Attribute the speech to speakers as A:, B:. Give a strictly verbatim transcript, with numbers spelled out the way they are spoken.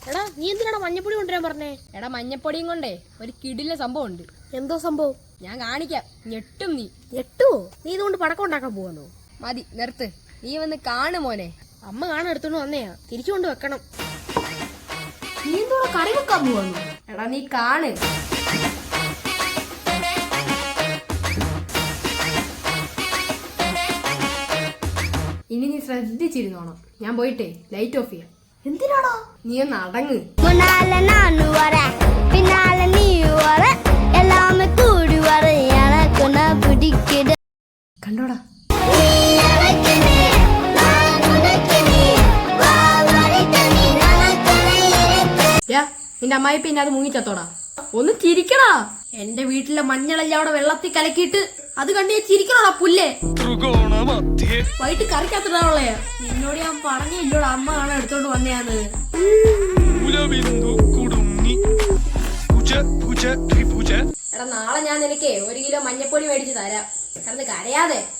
A: എടാ നീ എന്തിനാണ് മഞ്ഞപ്പൊടി കൊണ്ടുവരാൻ പറഞ്ഞേ?
B: എടാ മഞ്ഞപ്പൊടിയും കൊണ്ടേ ഒരു കിടില സംഭവം ഉണ്ട്.
A: എന്തോ സംഭവം?
B: ഞാൻ കാണിക്കാം, ഞെട്ടും നീ.
A: ഞെട്ടുവോ? നീ ഇതുകൊണ്ട് പടക്കം ഉണ്ടാക്കാൻ പോവാന്നോ?
B: മതി നിർത്ത്, നീ വന്ന് കാണു മോനെ.
A: അമ്മ കാണാൻ എടുത്തോണ്ട് വന്നയാ, തിരിച്ചു കൊണ്ട് വെക്കണം. നീ എന്തോടെ കറി വെക്കാൻ പോവാന്നോ?
B: എടാ നീ കാണ്. ഇനി നീ ശ്രദ്ധിച്ചിരുന്നോണം. ഞാൻ പോയിട്ടേ ലൈറ്റ് ഓഫ് ചെയ്യാം.
A: എന്തിനാടാ?
B: നീ ഒന്ന് അടങ്ങ്. കണ്ടോടാ, നിന്റെ അമ്മായി പിന്നെ അത് മുങ്ങിച്ചത്തോടാ. ഒന്ന് ചിരിക്കടാ. എന്റെ വീട്ടിലെ മഞ്ഞളെല്ലാം അവിടെ വെള്ളത്തിൽ കലക്കിയിട്ട് അത് കണ്ടേ ചിരിക്കണോടാ പുല്ലേ. വൈകിട്ട് കറിക്കത്തിടാവുള്ളേ. നിന്നോട് ഞാൻ പറഞ്ഞില്ലോടാ, അമ്മ കാണാൻ എടുത്തോണ്ട് വന്നയാന്ന്. എടാ നാളെ ഞാൻ നിനക്കേ ഒരു കിലോ മഞ്ഞപ്പൊടി മേടിച്ച് തരാം. കിടന്ന് കരയാതെ.